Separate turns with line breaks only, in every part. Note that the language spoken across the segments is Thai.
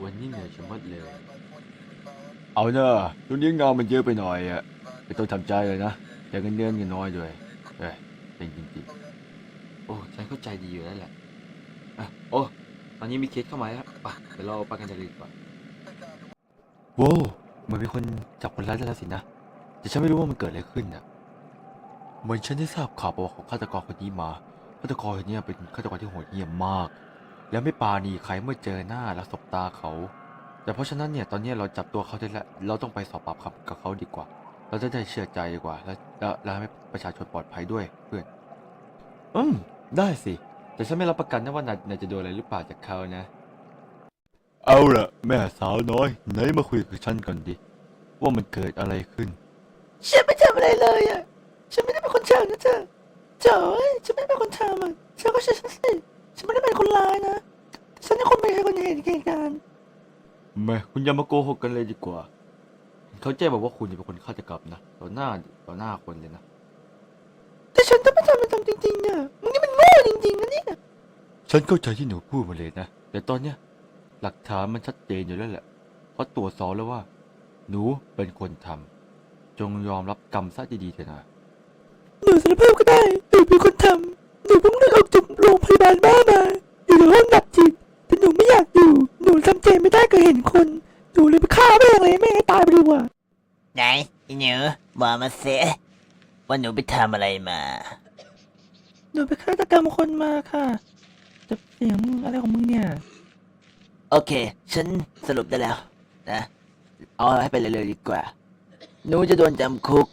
วันนี้เหนื่อยชะมัดเลยเอาเนอะช่วงนี้งานมันเยอะไปหน่อยอ่ะไม่ต้องทำใจเลยนะแต่เงินเดือนน้อยด้วยเป็นจริงๆโอ้ฉันเข้าใจดีอยู่แล้วแหละโอ้ตอนนี้มีเคสเข้ามาแล้วป่ะเดี๋ยวเราไปกันเลยดีกว่าโว้เหมือนมีคนจับคนร้ายได้แล้วสินะแต่ฉันไม่รู้ว่ามันเกิดอะไรขึ้นน่ะเหมือนฉันได้ทราบข่าวประวัติของฆาตกรคนนี้มาฆาตกรคนนี้เป็นฆาตกรที่โหดเหี้ยมมากและไม่ปราณีใครเมื่อเจอหน้าและสบตาเขาแต่เพราะฉะนั้นเนี่ยตอนนี้เราจับตัวเขาได้แล้วเราต้องไปสอบปากคำกับเขาดีกว่าเราจะได้เชื่อใจดีกว่าและให้ประชาชนปลอดภัยด้วยเพื่อนได้สิแต่ฉันไม่รับประกันนะว่านายจะโดนอะไรหรือเปล่าจากเขานะเอาล่ะแม่สาวน้อยไหนมาคุยกับฉันก่อนดิว่ามันเกิดอะไรขึ้น
ฉันไม่ทำอะไรเลยอ่ะฉันไม่ได้เป็นคนทำนะเธอเจ๋ยฉันไม่ได้เป็นคนทำอ่ะเธอก็เชื่อฉันสิฉันไม่ได้เป็นคนร้ายนะฉันเป็นคนไม่ใช่คนเห็นเหตุการณ์
ไม่คุณอย่ามาโกหกกันเลยดีกว่าเขาแจ้งบอกว่าคุณเป็นคนฆาตกรรมนะต่อหน้าคนเลยนะ
แต่ฉันต้องไปทำมันทำจริงๆอ่ะมึงนี่มันโง่จริงๆนะเนี่ย
ฉันเข้าใจที่หนูพูดมาเลยนะแต่ตอนเนี้ยหลักฐานมันชัดเจนอยู่แล้วแหละเขาตรวจสอบแล้วว่าหนูเป็นคนทำจงยอมรับกรรมซะดีๆเถอะนะ
หนูสารภาพก็ได้หนูเป็นคนทำหนูเพิ่งเลิกออกจากโรงพยาบาลบ้ามาอยู่ในห้องดับจิตแต่หนูไม่อยากอยู่หนูทำใจไม่ได้ก็เห็นคนหนูเลยไปฆ่าแม่งเลยแม่งให้ตายไปดีกว่า
ไหนอีหนูบอกมาเสียว่าหนูไปทำอะไรมา
หนูไปฆาตกรรมคนมาค่ะจะเสียงมึงอะไรของมึงเนี่ย
โอเค ฉันสรุปได้แล้วนะ เอาให้ไปเลยดีกว่า หนูจะโดนจำคุก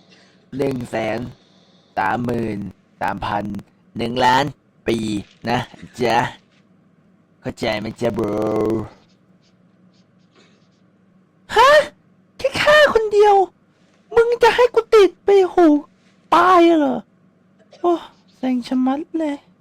133,000 1,000,000 ปีนะจ๊ะ เข้าใจไหมจ๊ะบร
ฮะแค่ฆ่าคนเดียว มึงจะให้กูติดไปโหตายเหรอ โอ้เซ็งชะมัดเลย